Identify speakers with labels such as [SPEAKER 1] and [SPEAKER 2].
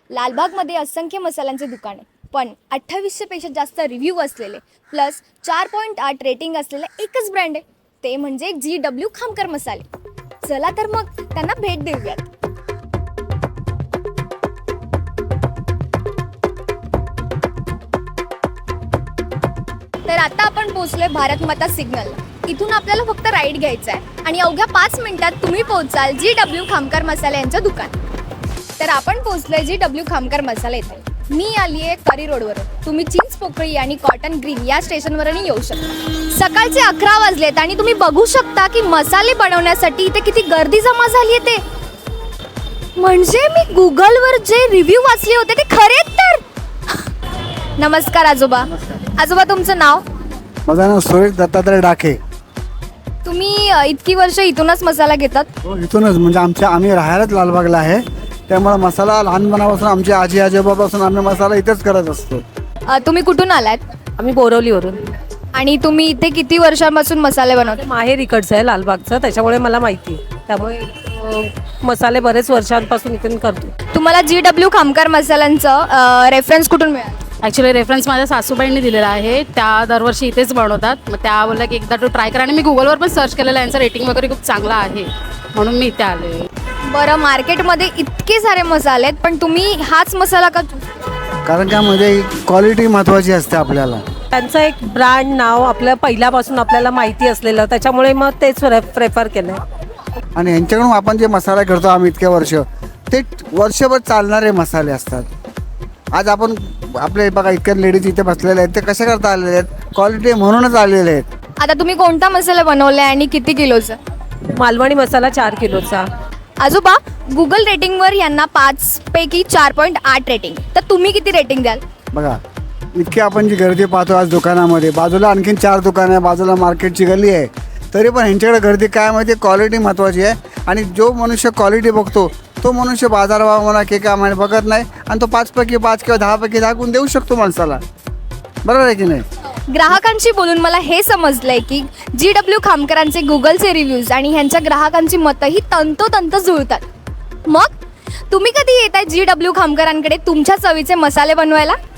[SPEAKER 1] लालबागमध्ये असंख्य मसाल्यांचे दुकान आहे, पण 2800 पेक्षा जास्त रिव्ह्यू असलेले प्लस 4.8 रेटिंग असलेले एकच ब्रँड आहे, ते म्हणजे GW खामकर मसाले. चला तर मग त्यांना भेट देऊयात. तर आता आपण पोहोचलोय भारत माता सिग्नल. इथून आपल्याला फक्त राईड घ्यायचा आहे आणि अवघ्या 5 मिनिटात तुम्ही पोहोचाल GW खामकर मसाले यांचं दुकान. तर आपण पोहोचलोय GW खामकर मसाला इथे. मी आली आहे करी रोडवरून. तुम्ही चिंच पोकळी आणि कॉटन ग्रीन या स्टेशनवरही येऊ शकता. सकाळचे 11 वाजलेत आणि तुम्ही बघू शकता की मसाले बनवण्यासाठी इथे किती गर्दी जमा झाली आहे. ते म्हणजे मी गुगलवर जे रिव्ह्यू वाचले होते ते खरेच तर. नमस्कार आजोबा. आजोबा तुमचं नाव?
[SPEAKER 2] माझं नाव सुरेश दत्तात्रय डाके.
[SPEAKER 1] तुम्ही इतकी वर्ष इथूनच मसाला घेतात?
[SPEAKER 2] हो, इथूनच. म्हणजे आम्ही राहायलाच लालबागला आहे, त्यामुळे मसाला लहानपणापासून आमचे आजी आजोबापासून आम्ही मसाला इथेच करत असतो.
[SPEAKER 1] तुम्ही कुठून आलात?
[SPEAKER 3] आम्ही बोरवलीवरून.
[SPEAKER 1] आणि तुम्ही इथे किती वर्षांपासून मसाले बनवता?
[SPEAKER 3] माहेर इकडचं आहे लालबागचं, त्याच्यामुळे मला माहिती आहे. त्यामुळे मसाले बरेच वर्षांपासून इथून करतो.
[SPEAKER 1] तुम्हाला GW खामकर मसाल्यांचं रेफरन्स कुठून मिळालं?
[SPEAKER 4] ॲक्च्युली रेफरन्स माझ्या सासूबाईंनी दिलेला आहे. त्या दरवर्षी इथेच बनवतात. मग त्या बोलल्या की एकदा तो ट्राय करा. आणि मी गुगलवर पण सर्च केलेलं आहे, यांचं रेटिंग वगैरे खूप चांगलं आहे, म्हणून मी इथे आले.
[SPEAKER 1] बरं, मार्केटमध्ये इतके सारे मसाले आहेत, पण तुम्ही हाच मसाला का?
[SPEAKER 2] कारण का म्हणजे क्वालिटी महत्त्वाची असते आपल्याला.
[SPEAKER 3] त्यांचं एक ब्रँड नाव आपल्या पहिल्यापासून आपल्याला माहिती असलेलं, त्याच्यामुळे मग तेच प्रेफर केलं.
[SPEAKER 2] आणि यांच्याकडून आपण जे मसाला करतो आम्ही इतके वर्ष, ते वर्षभर चालणारे मसाले असतात. आज आपण आपले बघा इतक्या लेडीज इथे बसलेले आहेत, ते कशा करता आलेले आहेत? क्वालिटी म्हणूनच आलेले आहेत.
[SPEAKER 1] आता तुम्ही कोणता मसाला बनवला आणि किती किलोचा?
[SPEAKER 3] मालवणी मसाला 4 किलोचा.
[SPEAKER 1] आजोबा, गुगल रेटिंगवर यांना 5 पैकी 4.8 रेटिंग, तर तुम्ही किती रेटिंग द्याल?
[SPEAKER 2] बघा इतकी आपण जी गर्दी पाहतो आज दुकानामध्ये, बाजूला आणखीन 4 दुकानं आहे, बाजूला मार्केटची गल्ली आहे, तरी पण ह्यांच्याकडे गर्दी काय माहिती, क्वालिटी महत्त्वाची आहे. आणि जो मनुष्य क्वालिटी बघतो तो मनुष्य बाजारभाव म्हणा की काय म्हणे बघत नाही, आणि तो 5 पैकी 5 किंवा 10 पैकी 10 गुण देऊ शकतो माणसाला. बरोबर आहे की नाही?
[SPEAKER 1] ग्राहकांशी बोलून मला हे समजलंय की GW खामकरांचे गुगलचे रिव्ह्यूज आणि ह्यांच्या ग्राहकांची मतंही तंतोतंत जुळतात. मग तुम्ही कधी येताय GW खामकरांकडे तुमच्या चवीचे मसाले बनवायला?